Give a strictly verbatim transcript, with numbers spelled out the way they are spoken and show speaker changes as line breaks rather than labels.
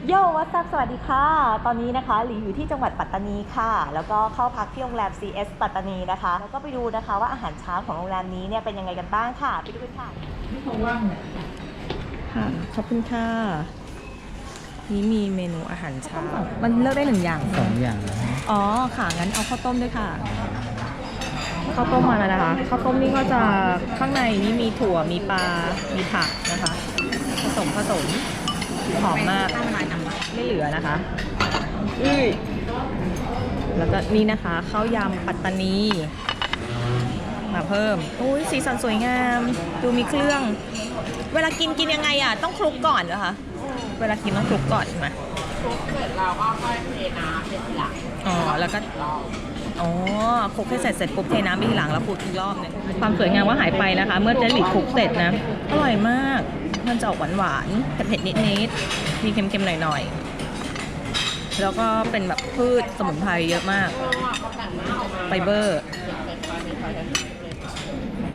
โยวัสสวัสดีค่ะตอนนี้นะคะหลีอยู่ที่จังหวัดปัตตานีค่ะแล้วก็เข้าพักที่โรงแรม ซี เอส ปัตตานีนะคะแล้วก็ไปดูนะคะว่าอาหารเช้าของโรงแรมนี้เนี่ยเป็นยังไงกันบ้างค่ะไปดูกันค่ะค่ะขอบคุณค่ะนี่มีเมนูอาหารเช้ามันเลือกได้หนึ่งอย่าง
สองอย่างนะฮะ
อ๋อค่ะงั้นเอาข้าวต้มด้วยค่ะข้าวต้มมาแล้วนะคะข้าวต้มนี่ก็จะข้างในนี่มีถั่วมีปลา มีผักนะคะผสมผสมหอมมากไม่เหลือนะคะอื้อแล้วก็นี่นะคะข้าวยำปัตตานีมาเพิ่มอุ้ยสีสันสวยงามดูมีเครื่องเวลากินกินยังไงอ่ะต้องคลุกก่อนเหรอคะเวลากินต้องคลุกก่อนใช่ไหม
คลุกเสร็จเราก็ค่อยเทน้ำเป็นทีหลัง
อ๋อแล้วก็อ๋อคลุกให้เสร็จเสร็จปุ๊บเทน้ำไปทีหลังแล้วคลุกอีกรอบนึงความสวยงามว่าหายไปนะคะเมื่อเจลลี่คลุกเสร็จนะอร่อยมากมันจะออกหวานๆแต่เผ็ดนิดๆมีเค็มๆหน่อยๆแล้วก็เป็นแบบพืชสมุนไพรเยอะมากไฟเบอร์